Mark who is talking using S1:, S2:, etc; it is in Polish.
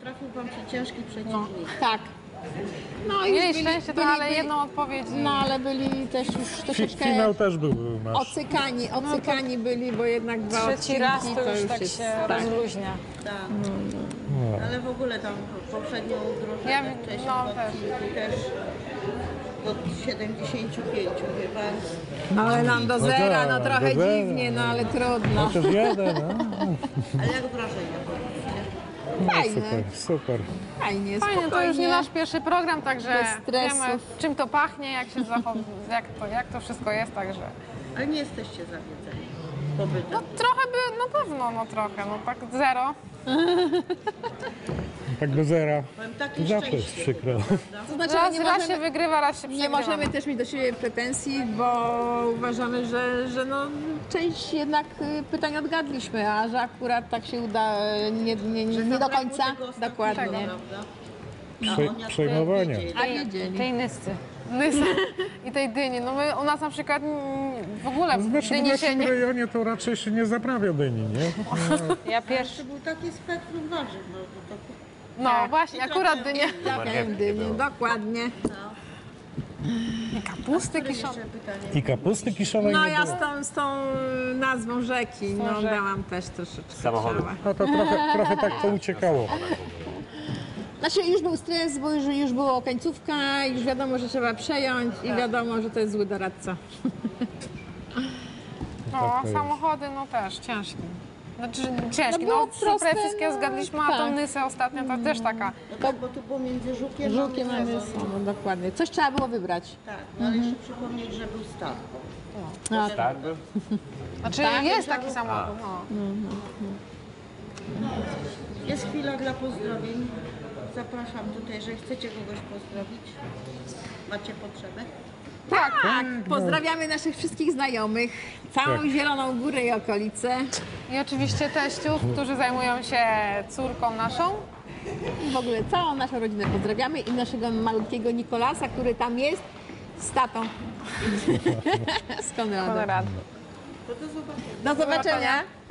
S1: Trafił wam się ciężki przeciwnik.
S2: Tak. No i
S3: Mieli szczęście, to ale jedną odpowiedź.
S2: No ale byli też już troszeczkę
S4: Finał też był nasz.
S2: ocykani byli, bo jednak dwa
S3: Trzeci
S2: odcinki
S3: raz to już
S2: już
S3: tak
S2: jest,
S3: się
S2: tak.
S3: rozluźnia.
S1: Tak. Ale w ogóle tam poprzednią drużynę
S3: Ja-
S1: wcześniej
S3: no,
S1: w odcinku też od 75 chyba.
S2: Ale nam do zera, no
S4: tak,
S2: trochę
S4: do zera.
S2: dziwnie, no ale trudno.
S4: Chociaż jeden, no.
S1: Ale jak wrażenia powiedzcie?
S2: Fajne,
S4: Super.
S2: fajnie,
S3: Fajnie, to
S2: spokojnie.
S3: już nie nasz pierwszy program, także
S2: Bez stresów.
S3: wiemy czym to pachnie, jak się jak to wszystko jest, także...
S1: Ale nie jesteście zawiedzeni pobytem.
S3: No trochę by, na pewno, no trochę, no tak zero.
S4: Tak do zera.
S1: Powiem takie
S4: Zawsze jest
S1: szczęście
S4: przykro.
S1: chyba, prawda?
S2: To znaczy,
S3: Raz się wygrywa, raz się
S2: nie
S3: przegrywa.
S2: możemy też mieć do siebie pretensji, bo uważamy, że no, część jednak pytań odgadliśmy, a że akurat tak się uda nie do końca. Dokładnie.
S1: Prawda?
S4: Przejmowania.
S2: A wiedzieli.
S3: Tej nyscy. I tej dyni. No my, u nas na przykład w ogóle
S4: Znaczy w
S3: dyni się
S4: naszym
S3: nie...
S4: rejonie to raczej się nie zaprawia dyni, nie?
S3: Ja pierwszy.
S1: To był taki spektrum warzyw. No, to
S3: No właśnie, akurat dynie.
S2: Trafiają dynie, dokładnie.
S3: I kapusty kiszone.
S1: jeszcze pytanie.
S4: I kapusty kiszonej
S2: No
S4: nie
S2: ja
S4: było.
S2: z tą nazwą rzeki, no
S3: rzeki.
S2: dałam też troszeczkę.
S5: Samochody.
S2: ciała.
S4: No to trochę tak pouciekało.
S2: Znaczy już był stres, bo już była końcówka, już wiadomo, że trzeba przejąć i wiadomo, że to jest zły doradca.
S3: No,
S4: Tak to jest.
S3: samochody, no też ciężki. Znaczy ciężki,
S2: było
S3: no super
S2: proste,
S3: wszystkie
S2: no,
S3: zgadliśmy, a tą
S2: tak.
S3: nysę ostatnio to też taka.
S1: No tak, bo tu było między żukiem
S2: Żółkiem
S1: a
S2: mamy
S1: Mysem.
S2: no, dokładnie. Coś trzeba było wybrać.
S1: Tak, no ale jeszcze przypomnieć, że był start.
S2: No,
S5: Tak był?
S3: Znaczy jest taki samochód, no.
S1: Jest chwila dla pozdrowień. Zapraszam tutaj, że chcecie kogoś pozdrowić. Macie potrzebę?
S2: tak, pozdrawiamy naszych wszystkich znajomych, całą
S4: Tak.
S2: Zieloną Górę i okolice.
S3: I oczywiście teściów, którzy zajmują się córką naszą.
S2: W ogóle całą naszą rodzinę pozdrawiamy i naszego malutkiego Nikolasa, który tam jest z tatą. z Konradem.
S3: Konrad.
S1: To do zobaczenia.
S2: Do zobaczenia.